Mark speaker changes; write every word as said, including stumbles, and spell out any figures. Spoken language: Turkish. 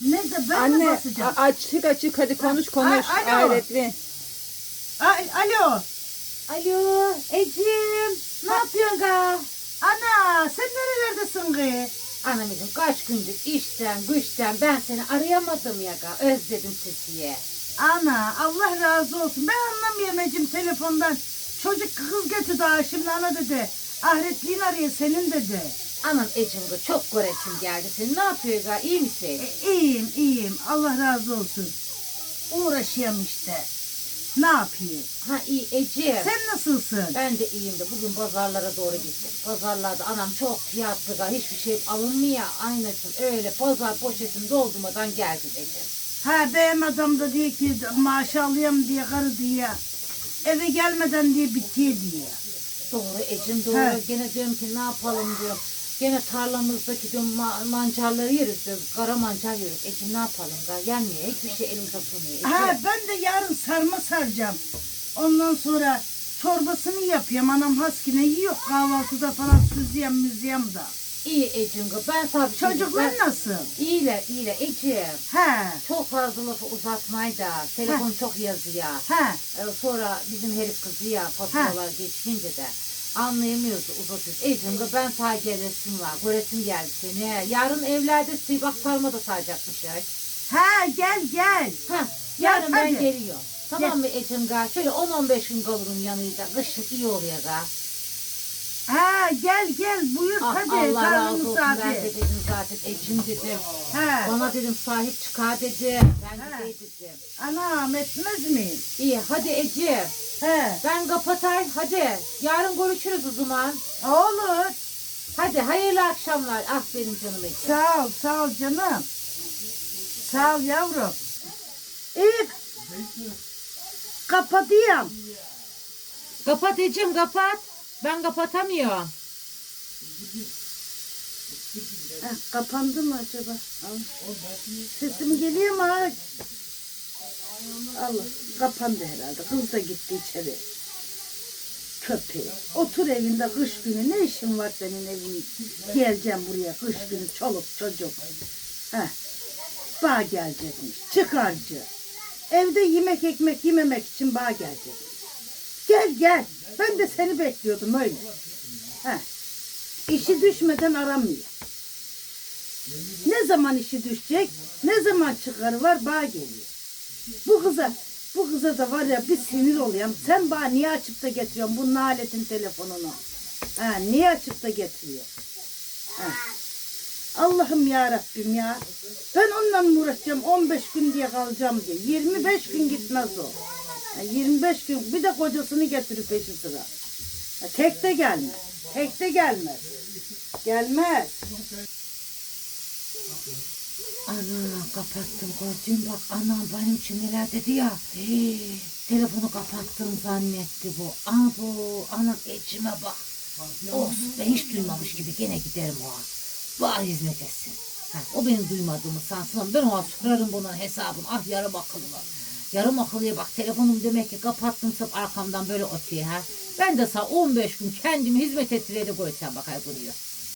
Speaker 1: Ne de ben mi
Speaker 2: Anne
Speaker 1: basacağım?
Speaker 2: a- açık açık hadi konuş konuş.
Speaker 1: A- alo.
Speaker 2: Hayretli.
Speaker 1: Ay, alo.
Speaker 3: Alo Ecim, ne yapıyorsun ga?
Speaker 1: Ana sen nerelerdesin kız?
Speaker 3: Anamızım kaç gündür işten güçten ben seni arayamadım ya ga, özledim sesiye.
Speaker 1: Ana Allah razı olsun. Ben anlamıyorum Ecim telefondan. Çocuk kız getirdi ha şimdi ana dedi. Ahretliğin arıyor senin dedi.
Speaker 3: Anam Ecim ga çok göresim geldi senin, ne yapıyor ga, iyi misin?
Speaker 1: E, iyiyim iyiyim Allah razı olsun. Uğraşıyorum işte. Ne yapayım?
Speaker 3: Ha iyi Ecim.
Speaker 1: Sen nasılsın?
Speaker 3: Ben de iyiyim de bugün pazarlara doğru gittim. Pazarlarda anam çok fiyatlı ga, hiçbir şey alınmıyor. Aynısın öyle pazar poşetini doldurmadan geldim Ecim.
Speaker 1: Ha benim adam da diyor ki maaş alayım diye karı diye. Eve gelmeden diye bitiyor diye.
Speaker 3: Doğru Ecim doğru.
Speaker 1: He.
Speaker 3: Gene diyorum ki ne yapalım diyorum. Gene tarlamızdaki diyorum ma- mancarları yeriz diyoruz. Kara mancar yeriz. Ecim ne yapalım ga, gelmiyor. Hiçbir şey elimizde tutmuyor. Ecim.
Speaker 1: Ha ben de yarın sarma saracağım. Ondan sonra çorbasını yapıyorum. Anam haskine yiyor kahvaltıda falan süzüyem müzüyem da.
Speaker 3: İyi Ecim ga, ben sana bir şey
Speaker 1: Çocuklar
Speaker 3: ben-
Speaker 1: nasıl?
Speaker 3: İyiler iyiler Ecim.
Speaker 1: He
Speaker 3: Çok fazla lafı uzatmayı da. Telefon çok yazıyor.
Speaker 1: he
Speaker 3: Ee, sonra bizim herif kızı ya faturalar geçince de anlayamıyoruz uzatıyoruz. Ecim ga, ben sana gelesim var. Göresim geldi seni. Yarın evlerdesin. Bak sarma da saracakmış ya.
Speaker 1: he gel gel.
Speaker 3: Ha,
Speaker 1: Gel,
Speaker 3: yarın ben
Speaker 1: hadi.
Speaker 3: geliyorum. Tamam mı Ecem ga? Şöyle on on beş gün kalırım yanıyla. Kışın iyi oluyor ga.
Speaker 1: Ha gel gel buyur
Speaker 3: Ah,
Speaker 1: hadi
Speaker 3: Allah razı
Speaker 1: karnımız
Speaker 3: olsun. Ben de
Speaker 1: abi.
Speaker 3: dedim zaten Ecem dedim.
Speaker 1: He
Speaker 3: Bana dedim sahip çıkar dedim. Ben de
Speaker 1: Ha.
Speaker 3: şey dedim.
Speaker 1: anam etmez miyim?
Speaker 3: İyi hadi Ecem.
Speaker 1: He
Speaker 3: Ben kapatayım hadi. Yarın görüşürüz o zaman.
Speaker 1: olur.
Speaker 3: Hadi hayırlı akşamlar. Ah benim canım Ecem.
Speaker 1: Sağ ol sağ ol canım. Sağ ol yavrum. İyi. Kapatıyorum.
Speaker 3: Kapat Ecem kapat. Ben kapatamıyorum.
Speaker 1: Heh, kapandı mı acaba? Al. Sesim geliyor mu? ha? Allah kapandı herhalde. Kız da gitti içeri. Köpeği. Otur evinde kış günü. Ne işin var senin evin? Geleceğim buraya kış günü. Çoluk çocuk. Heh. Bağ gelecekmiş. Çıkarcı. Evde yemek ekmek yememek için bağ gelecekmiş. Gel gel. Ben de seni bekliyordum öyle. Heh. İşi düşmeden aramıyor. Ne zaman işi düşecek, ne zaman çıkarı var bağ geliyor. Bu kıza, bu kıza da var ya bir sinir oluyorum. Sen bana niye açıp da getiriyorsun bu naletin telefonunu? Ha, niye açıp da getiriyor? Ha. Allah'ım ya Rabbim ya. Ben onunla mı uğraşacağım on beş gün diye kalacağım diye. yirmi beş gün gitmez o. Ha, yirmi beş gün bir de kocasını getirip peşi sıra. Ha, tek de gelmez. Tek de gelmez. Gelmez.
Speaker 3: Ana kapattım gördün bak, anam benim için neler dedi ya. Hey, telefonu kapattım zannetti bu. Abo anam Ecem'e bak. Olsun, ben hiç duymamış gibi gene giderim o an. Bana hizmet etsin. Ha, o benim duymadığımı sansın ama ben ona sorarım bunun hesabını. Ah yarım akıllı. Yarım akıllıya bak, telefonum demek ki kapattım sırf arkamdan böyle ötüyor ha. Ben de sana on beş gün kendimi hizmet ettireli koysam bakay kuruyor.